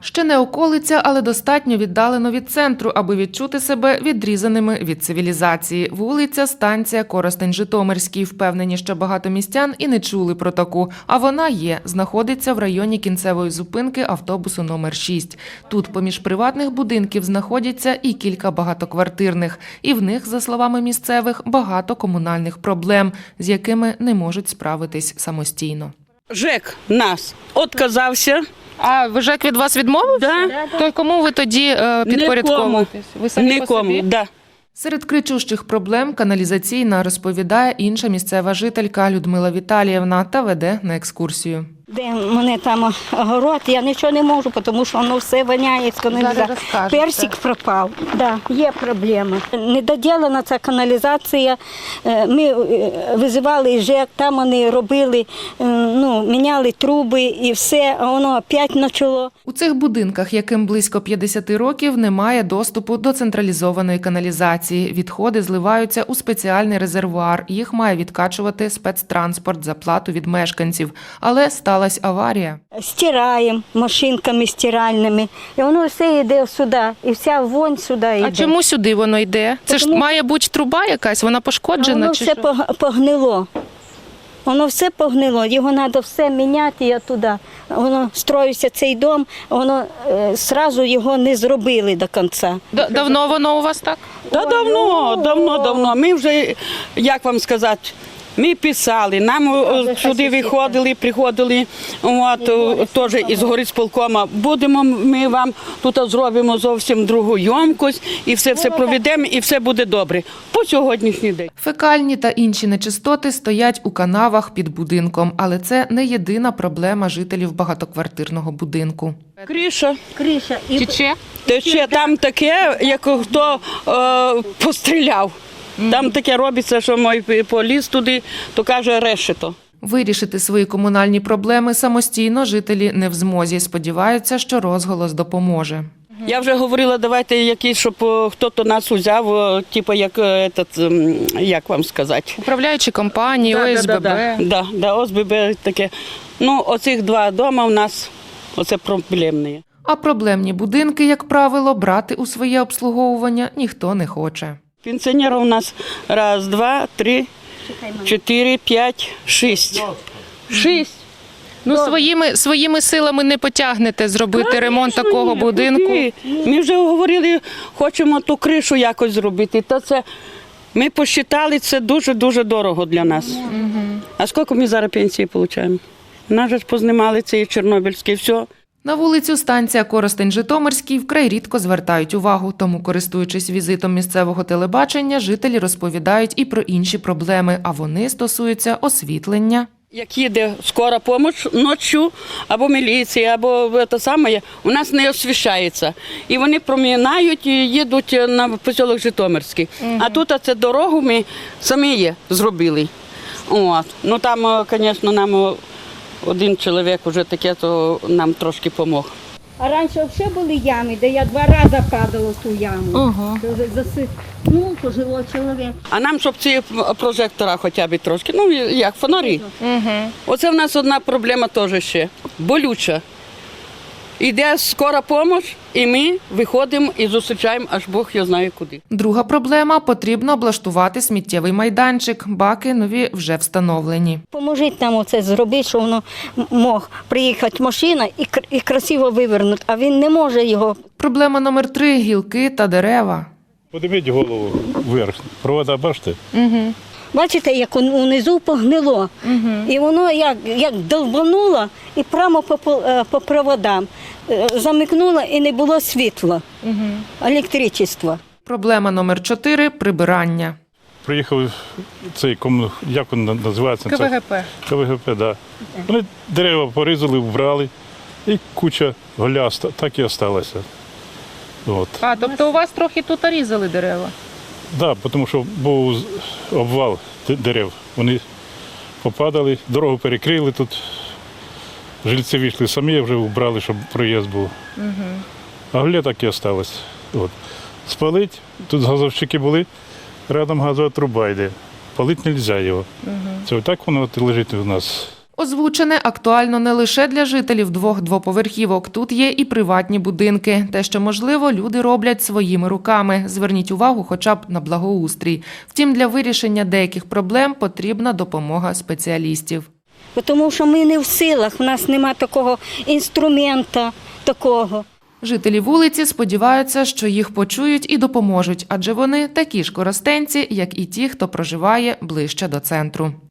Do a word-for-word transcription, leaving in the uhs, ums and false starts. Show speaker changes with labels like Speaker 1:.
Speaker 1: Ще не околиця, але достатньо віддалено від центру, аби відчути себе відрізаними від цивілізації. Вулиця, станція Коростень-Житомирський. Впевнені, що багато містян і не чули про таку. А вона є. Знаходиться в районі кінцевої зупинки автобусу номер шість. Тут поміж приватних будинків знаходяться і кілька багатоквартирних. І в них, за словами місцевих, багато комунальних проблем, з якими не можуть справитись самостійно.
Speaker 2: ЖЕК нас відказався.
Speaker 1: А ЖЕК від вас відмовився?
Speaker 2: Да.
Speaker 1: То кому ви тоді е, підпорядковуєтесь? Ви самі по
Speaker 2: Нікому,
Speaker 1: собі?
Speaker 2: да.
Speaker 1: Серед кричущих проблем каналізаційна, розповідає інша місцева жителька Людмила Віталіївна та веде на екскурсію.
Speaker 3: Де в мене там огород, я нічого не можу, тому що воно все воняє з каналізації. Персик пропав, да, є проблеми. Недоділена ця каналізація, ми визивали ЖЕК, там вони робили, ну, міняли труби і все, а воно опять почало.
Speaker 1: У цих будинках, яким близько п'ятдесят років, немає доступу до централізованої каналізації. Відходи зливаються у спеціальний резервуар. Їх має відкачувати спецтранспорт за плату від мешканців. Але сталася аварія.
Speaker 3: Стираємо машинками стиральними, і воно все йде сюди, і вся вонь сюди йде.
Speaker 1: А чому сюди воно йде? Це ж має бути труба якась, вона пошкоджена?
Speaker 3: Воно
Speaker 1: чи
Speaker 3: все
Speaker 1: що?
Speaker 3: погнило. Воно все погнило, його треба все міняти, я туди. Воно строївся цей дом, воно одразу його не зробили до кінця.
Speaker 1: Давно воно у вас так?
Speaker 2: Та давно, давно, давно. Ми вже, як вам сказати, ми писали, нам о, сюди виходили, приходили, от, о, теж із горисполкома. Будемо, ми вам тут зробимо зовсім другу ємкость, і все, все проведемо, і все буде добре. По сьогоднішній день.
Speaker 1: Фекальні та інші нечистоти стоять у канавах під будинком, але це не єдина проблема жителів багатоквартирного будинку.
Speaker 2: Криша.
Speaker 3: Криша. І...
Speaker 1: Тече?
Speaker 2: Тече там таке, як хто е, постріляв. Там таке робиться, що мой поліз туди, то каже решето.
Speaker 1: Вирішити свої комунальні проблеми самостійно жителі не в змозі. Сподіваються, що розголос допоможе.
Speaker 2: Я вже говорила, давайте якийсь, щоб хтось нас узяв, типу як, этот, як вам сказати.
Speaker 1: Управляючі компанії,
Speaker 2: Да,
Speaker 1: О С Б Б.
Speaker 2: Да, да, да, да, О С Б Б таке. Ну, оцих два дома у нас, оце проблемні.
Speaker 1: А проблемні будинки, як правило, брати у своє обслуговування ніхто не хоче.
Speaker 2: Пенсіонерів у нас раз, два, три, чотири, п'ять, шість. Шість.
Speaker 1: Ну, своїми, своїми силами не потягнете зробити ремонт такого будинку.
Speaker 2: Ми вже говорили, хочемо ту кришу якось зробити. То це, ми посчитали, це дуже-дуже дорого для нас. Угу. А скільки ми зараз пенсії отримуємо? Нас же познімали ці чорнобильські, все.
Speaker 1: На вулицю станція Коростень-Житомирський вкрай рідко звертають увагу, тому, користуючись візитом місцевого телебачення, жителі розповідають і про інші проблеми, а вони стосуються освітлення.
Speaker 2: Як їде скора допомога ночі, або міліція, або те саме, у нас не освіщається. І вони промінають і їдуть на поселок Житомирський. Угу. А тут це дорогу ми самі є, зробили. От. Ну там, звісно, нам один чоловік вже таке, то нам трошки допомог.
Speaker 3: А раніше взагалі були ями, де я два рази падала в ту яму.
Speaker 1: Ага.
Speaker 3: Ну, пожилой чоловік.
Speaker 2: А нам, щоб ці прожектора хоча б трошки, ну як, фонарі. Угу. Оце в нас одна проблема теж ще, болюча. Іде скора допомога, і ми виходимо і зустрічаємо, аж Бог його знає куди.
Speaker 1: Друга проблема – потрібно облаштувати сміттєвий майданчик. Баки нові вже встановлені.
Speaker 3: Поможіть нам оце зробити, щоб воно мог приїхати машина і, і красиво вивернути, а він не може його.
Speaker 1: Проблема номер три – гілки та дерева.
Speaker 4: Подивіть голову вверх, провода бачите?
Speaker 1: Угу.
Speaker 3: Бачите, як унизу погнило. Угу. І воно як, як долбануло і прямо по, по, по проводам. Замикнуло і не було світла, угу. електричества.
Speaker 1: Проблема номер чотири – прибирання.
Speaker 4: Приїхав цей, як він називається?
Speaker 1: К В Г П.
Speaker 4: К В Г П, так. Да. Вони дерева порізали, вбрали, і куча голяста так і залишилася. От.
Speaker 1: А, тобто у вас трохи тут різали дерева?
Speaker 4: Так, да, тому що був обвал дерев. Вони попадали, дорогу перекрили тут. Жильці вийшли самі, вже вбрали, щоб проїзд був. Угу. А гілля так і залишилось. От. Спалить, тут газовщики були, рядом газова труба йде. Палити не можна його. Угу. Це отак воно от лежить у нас.
Speaker 1: Озвучене актуально не лише для жителів двох двоповерхівок. Тут є і приватні будинки. Те, що можливо, люди роблять своїми руками. Зверніть увагу хоча б на благоустрій. Втім, для вирішення деяких проблем потрібна допомога спеціалістів.
Speaker 3: Тому що ми не в силах, в нас немає такого інструмента, такого.
Speaker 1: Жителі вулиці сподіваються, що їх почують і допоможуть, адже вони такі ж коростенці, як і ті, хто проживає ближче до центру.